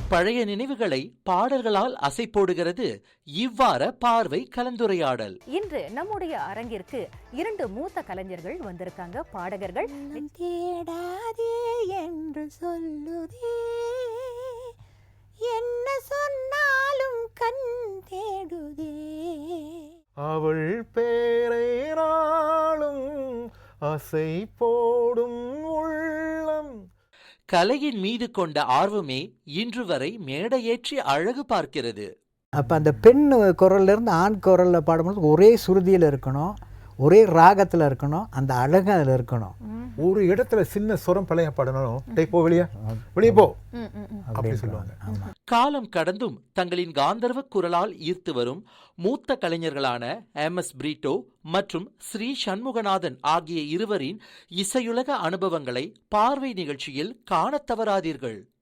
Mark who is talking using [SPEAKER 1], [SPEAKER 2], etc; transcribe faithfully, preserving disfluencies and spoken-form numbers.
[SPEAKER 1] பழைய நினைவுகளை பாடல்களால் அசை போடுகிறது இவ்வார பார்வை கலந்துரையாடல்.
[SPEAKER 2] இன்று நம்முடைய அரங்கிற்கு இரண்டு மூத்த கலைஞர்கள் வந்திருக்காங்க. பாடகர்கள்.
[SPEAKER 3] தேடாதே என்று சொல்லுதே, என்ன சொன்னாலும் கண் தேடுதே,
[SPEAKER 4] அவள் பேரை நாளும் அசை போடும் உள்ளம்.
[SPEAKER 1] கலையின் மீது கொண்ட ஆர்வமே இன்று வரை மேடையேற்றி அழகு பார்க்கிறது.
[SPEAKER 5] அப்போ அந்த பெண் குரல்லேருந்து ஆண் குரலில் பாடும்போது ஒரே சுருதியில் இருக்கணும், ஒரே ராகத்தில் இருக்கணும், அந்த அழகு அதில் இருக்கணும்.
[SPEAKER 4] ஒரு இடத்துல சின்ன சுரம் பழைய பாடணும், டேய் போ வெளியே வெளியே போ அப்படி சொல்லுவாங்க.
[SPEAKER 1] காலம் கடந்தும் தங்களின் காந்தர்வ குரலால் ஈர்த்து வரும் மூத்த கலைஞர்களான எம் எஸ் பிரீட்டோ மற்றும் ஸ்ரீ சண்முகநாதன் ஆகிய இருவரின் இசையுலக அனுபவங்களை பார்வை நிகழ்ச்சியில் காணத் தவறாதீர்கள்.